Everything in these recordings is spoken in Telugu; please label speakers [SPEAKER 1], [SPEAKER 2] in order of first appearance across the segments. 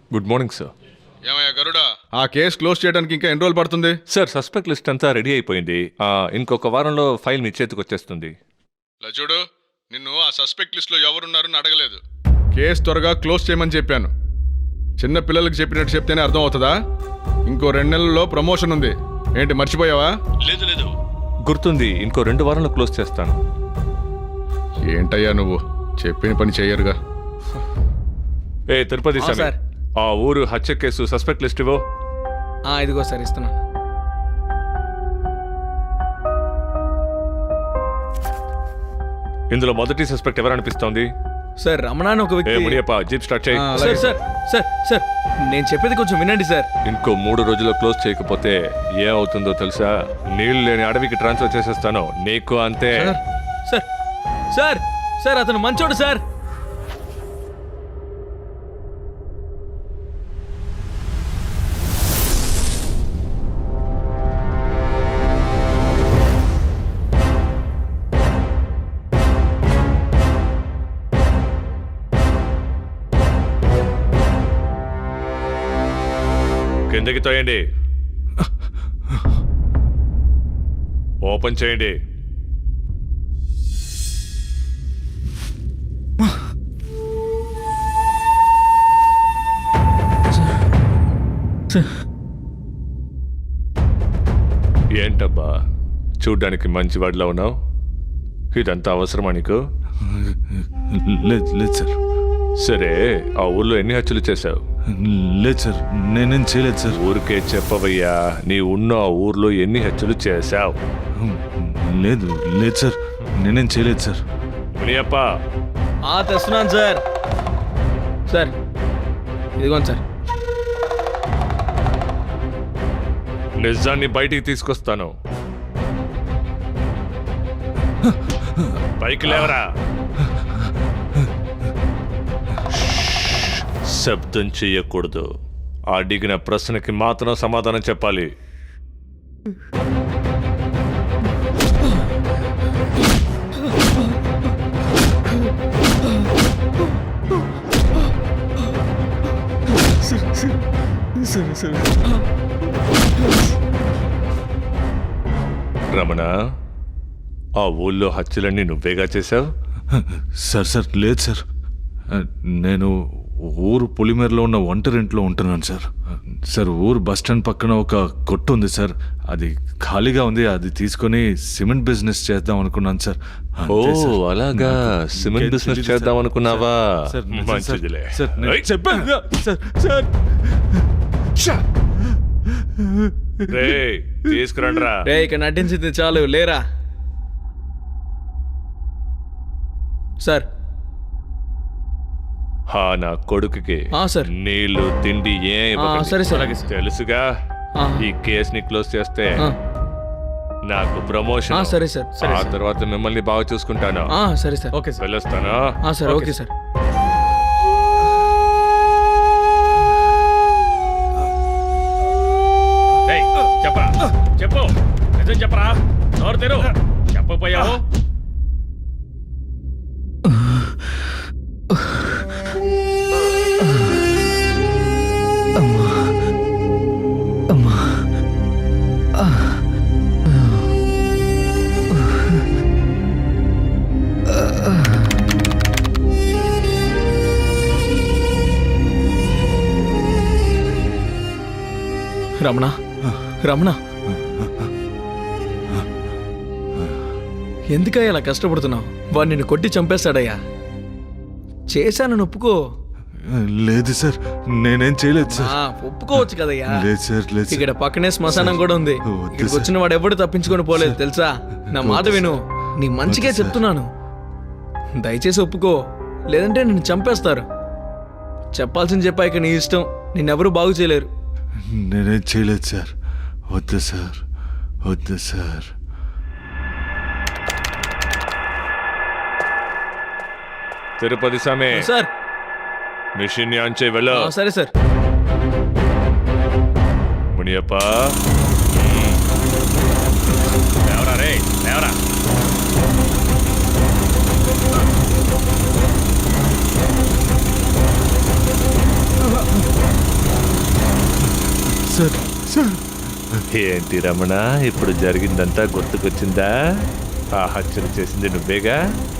[SPEAKER 1] Good morning sir.
[SPEAKER 2] ఏమయ్యా గరుడా, ఆ కేసు క్లోజ్ చేయడానికి ఇంకా ఎన్ని రోజులు పడుతుంది?
[SPEAKER 1] సార్ సస్పెక్ట్ లిస్ట్ అంతా రెడీ అయిపోయింది. ఇంకొక వారంలో ఫైల్ మీ చేతికి వచ్చేస్తుంది.
[SPEAKER 2] చూడు, నిన్ను ఆ సస్పెక్ట్ లిస్ట్ లో ఎవరున్నారని అడగలేదు. కేసు త్వరగా క్లోజ్ చేయమని చెప్పాను. చిన్న పిల్లలకి చెప్పినట్టు చెప్తేనే అర్థం అవుతుందా? ఇంకో 2 నెలల్లో ప్రమోషన్ ఉంది. ఏంటి మర్చిపోయావా?
[SPEAKER 1] లేదు గుర్తుంది. ఇంకో 2 వారాల్లో క్లోజ్ చేస్తాను.
[SPEAKER 2] ఏంటయ్యా నువ్వు చెప్పిన పని చెయ్యరుగా.
[SPEAKER 1] తిరుపతి స్వామి,
[SPEAKER 3] సార్.
[SPEAKER 1] ఆ ఊరు హత్య కేసు సస్పెక్ట్ లిస్ట్ ఇవ్వు.
[SPEAKER 3] ఇదిగో సార్ ఇస్తున్నాను.
[SPEAKER 1] ఇందులో మొదటి సస్పెక్ట్ ఎవరనిపిస్తోంది?
[SPEAKER 3] సార్ రమణ అని ఒక వ్యక్తి.
[SPEAKER 1] మునియప్ప, జీప్ స్టార్ట్ చేయి.
[SPEAKER 3] సార్ సార్ సార్ సార్ నేను చెప్పేది కొంచెం వినండి సార్.
[SPEAKER 1] ఇంకో 3 రోజుల్లో క్లోజ్ చేయకపోతే ఏమవుతుందో తెలుసా? నీళ్లు లేని అడవికి ట్రాన్స్ఫర్ చేసేస్తాను. నీకు అంతే.
[SPEAKER 3] సార్ సార్ సార్ అతను మంచోడు సార్.
[SPEAKER 1] కిందకి తోయండి. ఓపెన్ చేయండి. ఏంటబ్బా చూడ్డానికి మంచివాడిలా ఉన్నావు? ఇదంతా అవసరమా నీకు?
[SPEAKER 4] లేదు సార్.
[SPEAKER 1] సరే, ఆ ఊర్లో ఎన్ని హత్యలు చేశావు?
[SPEAKER 4] లేదు సార్, నేనేం చేయలేదు సార్.
[SPEAKER 1] ఊరికే చెప్పవయ్యా, నీ ఉన్న ఆ ఊర్లో ఎన్ని హత్యలు చేశావు?
[SPEAKER 4] లేదు సార్, నేనేం చేయలేదు సార్.
[SPEAKER 1] మునియప్ప,
[SPEAKER 3] తెస్తున్నాను సార్. సార్ ఇదిగోండి సార్.
[SPEAKER 1] నిజాన్ని బయటికి తీసుకొస్తాను. పైకి లేవరా. శబ్దం చెయ్యకూడదు. అడిగిన ప్రశ్నకి మాత్రం సమాధానం చెప్పాలి. రమణ, ఆ ఊళ్ళో హత్యలన్నీ నువ్వేగా చేశావు?
[SPEAKER 4] సార్ లేదు సార్. నేను ఊరు పులిమేరలో ఉన్న ఒంటరింట్లో ఉంటున్నాను సార్. సార్ ఊరు బస్ స్టాండ్ పక్కన ఒక కొట్టు ఉంది సార్. అది ఖాళీగా ఉంది. అది తీసుకొని సిమెంట్ బిజినెస్ చేద్దాం అనుకున్నాను సార్.
[SPEAKER 1] ఓ అలాగా, సిమెంట్ బిజినెస్ చేద్దాం అనుకున్నావా? మంచిదిలే. తీసుకురండ్రా.
[SPEAKER 3] ఇక్కడ నటించింది చాలు, లేరా సార్.
[SPEAKER 1] నా కొడుకుకి
[SPEAKER 3] సార్
[SPEAKER 1] నీళ్లు తిండి
[SPEAKER 3] సరే సార్.
[SPEAKER 1] తెలుసుగా. ఈ కేసుని క్లోజ్ చేస్తే నాకు ప్రమోషన్.
[SPEAKER 3] సరే సార్.
[SPEAKER 1] ఆ తర్వాత మిమ్మల్ని బాగా చూసుకుంటాను.
[SPEAKER 3] సరే సార్. Okay sir.
[SPEAKER 1] వెళ్ళొస్తాను.
[SPEAKER 3] Sir okay sir.
[SPEAKER 1] చెప్పరా, చెప్పు, నిజం చెప్పరా. నోరు తెరు. చెప్పపోయావు.
[SPEAKER 3] రమణ, రమణ, ఎందుకయ్యా ఇలా కష్టపడుతున్నావు? వాడు నిన్ను కొట్టి చంపేస్తాడయ్యా. చేశానని ఒప్పుకో.
[SPEAKER 4] లేదు సార్, నేనేం చేయలేదు సార్.
[SPEAKER 3] ఒప్పుకోవచ్చు కదయ్యా.
[SPEAKER 4] లేదు సార్, లేదు.
[SPEAKER 3] ఇక్కడ పక్కనే శ్మశానం కూడా ఉంది. ఇక్కడికి వచ్చిన వాడు ఎవడు తప్పించుకొని పోలేదు తెలుసా. నా మాట విను, నీ మంచిగా చెప్తున్నాను. దయచేసి ఒప్పుకో, లేదంటే నిన్ను చంపేస్తారు. చెప్పాల్సింది చెప్పాక నీ ఇష్టం. నిన్నెవరూ బాగు చేయలేరు.
[SPEAKER 4] నేనేం చేయలేదు సార్. వద్దు సార్, వద్దు సార్.
[SPEAKER 1] తిరుపతి స్వామి
[SPEAKER 3] సార్,
[SPEAKER 1] మిషన్ ఆన్ చేయి. వెళ్ళు.
[SPEAKER 3] సరే సార్.
[SPEAKER 1] మునియప్ప, లేవరా రే, లేవరా.
[SPEAKER 4] సార్ సార్
[SPEAKER 1] ఏంటి రమణ, ఇప్పుడు జరిగిందంతా గుర్తుకొచ్చిందా? ఆ హత్యలు చేసింది నువ్వేగా?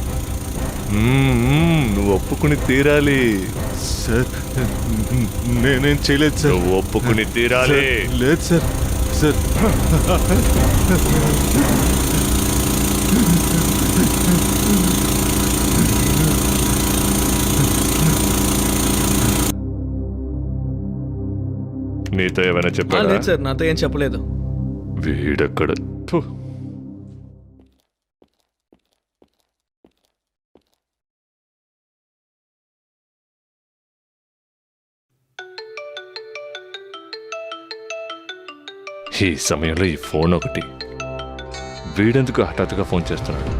[SPEAKER 1] నువ్వు ఒప్పుకుని తీరాలి.
[SPEAKER 4] సార్ నేనేం చేయలేదు సార్.
[SPEAKER 1] నువ్వు ఒప్పుకుని తీరాలి.
[SPEAKER 4] లేదు సార్. సార్
[SPEAKER 1] నీతో ఏమైనా చెప్పాడా?
[SPEAKER 3] లేదు సార్, నాతో ఏం చెప్పలేదు.
[SPEAKER 1] వీడెక్కడ? థు. ఈ సమయంలో ఈ ఫోన్ ఒకటి. వీడెందుకు హఠాత్తుగా ఫోన్ చేస్తున్నాడు?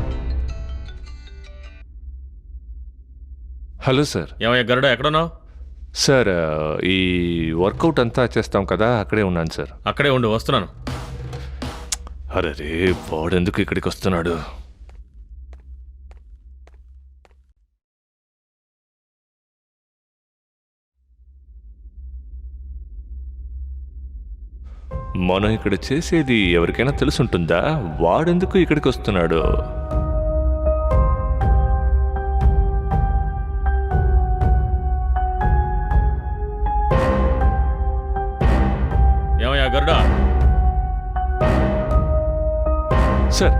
[SPEAKER 1] Hello sir.
[SPEAKER 5] ఏమయ్య గరుడ, ఎక్కడున్నావు?
[SPEAKER 1] సార్, ఈ వర్కౌట్ అంతా చేస్తాం కదా, అక్కడే ఉన్నాను సార్.
[SPEAKER 5] అక్కడే ఉండు, వస్తున్నాను.
[SPEAKER 1] అరే రే, వాడెందుకు ఇక్కడికి వస్తున్నాడు? మనం ఇక్కడ చేసేది ఎవరికైనా తెలుసుంటుందా? వాడెందుకు ఇక్కడికి వస్తున్నాడు?
[SPEAKER 5] ఏమయ్య Garuda?
[SPEAKER 1] Sir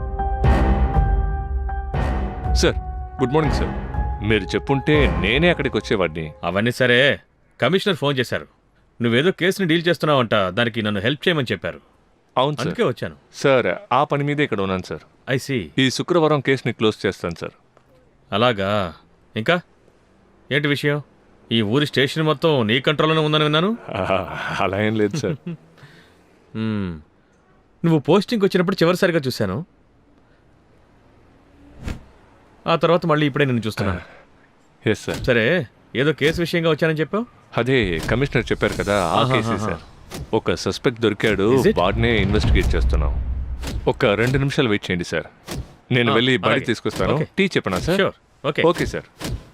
[SPEAKER 1] sir, good morning sir. మీరు చెప్పుంటే నేనే అక్కడికి వచ్చేవాడిని.
[SPEAKER 5] అవన్నీ సరే, కమిషనర్ ఫోన్ చేశారు. నువ్వేదో కేసుని డీల్ చేస్తున్నావంట, దానికి నన్ను హెల్ప్ చేయమని చెప్పారు.
[SPEAKER 1] అవును సార్.
[SPEAKER 5] అందుకే వచ్చాను.
[SPEAKER 1] సార్, ఆ పని మీదే ఇక్కడ ఉన్నాను సార్.
[SPEAKER 5] I see.
[SPEAKER 1] ఈ శుక్రవారం కేసుని క్లోజ్ చేస్తాను సార్.
[SPEAKER 5] అలాగా? ఇంకా ఏంటి విషయం? ఈ ఊరి స్టేషన్ మొత్తం నీ కంట్రోల్లోనే ఉందని విన్నాను.
[SPEAKER 1] అలా ఏం లేదు సార్.
[SPEAKER 5] నువ్వు పోస్టింగ్కి వచ్చినప్పుడు చివరిసారిగా చూశాను. ఆ తర్వాత మళ్ళీ ఇప్పుడే నిన్ను చూస్తున్నాను.
[SPEAKER 1] Yes sir.
[SPEAKER 5] సరే, ఏదో కేసు విషయంగా వచ్చానని చెప్పావు.
[SPEAKER 1] అదే కమిషనర్ చెప్పారు కదా, ఆ కేసే సార్. ఒక సస్పెక్ట్ దొరికాడు,
[SPEAKER 5] Is it?
[SPEAKER 1] వాడినే ఇన్వెస్టిగేట్ చేస్తున్నాం. ఒక 2 నిమిషాలు వెయిట్ చేయండి సార్. నేను వెళ్ళి బయట
[SPEAKER 5] అలాగే.
[SPEAKER 1] తీసుకొస్తాను.
[SPEAKER 5] Okay.
[SPEAKER 1] టీ చెప్పనా sir?
[SPEAKER 5] Sure. Okay.
[SPEAKER 1] Okay sir.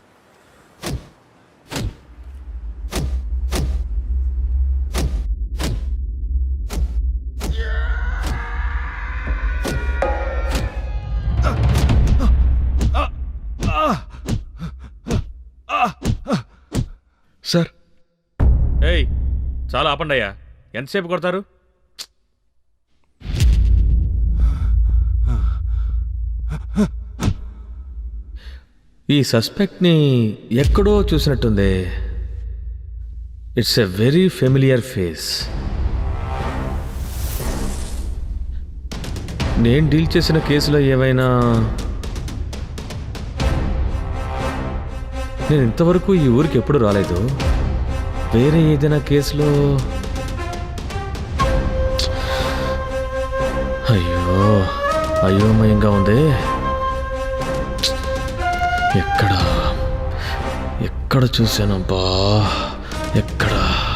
[SPEAKER 3] Sir,
[SPEAKER 5] ఏయ్, చాలా ఆపండి అయ్యా. ఎంతసేపు కొడతారు? ఈ సస్పెక్ట్ని ఎక్కడో చూసినట్టుంది. It's a very familiar face. నేను డీల్ చేసిన కేసులో ఏవైనా నేను ఇంతవరకు ఈ ఊరికి ఎప్పుడు రాలేదు. వేరే ఏదైనా కేసులో అయోమయంగా ఉంది. ఎక్కడ చూశానబ్బా? ఎక్కడ?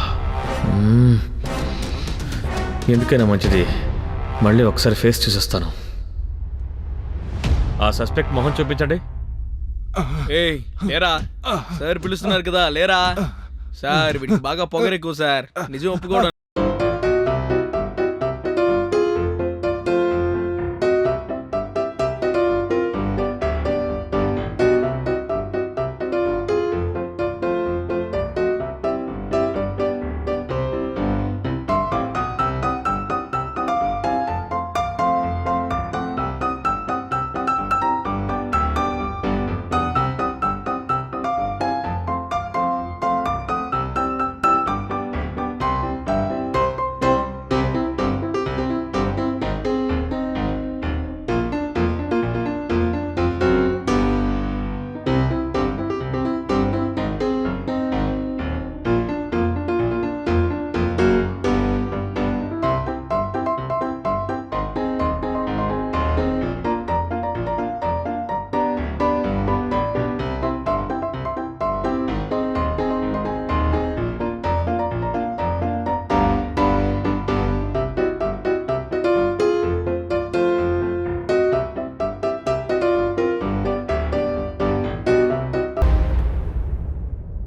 [SPEAKER 5] ఎందుకైనా మంచిది, మళ్ళీ ఒకసారి ఫేస్ చూసేస్తాను. ఆ సస్పెక్ట్ మొహం చూపించండి.
[SPEAKER 3] ఏయ్ లేరా, సార్ పిలుస్తున్నారు కదా, లేరా. సార్ వీడికి బాగా పొగరెక్కువ సార్, నిజం ఒప్పుకోవడం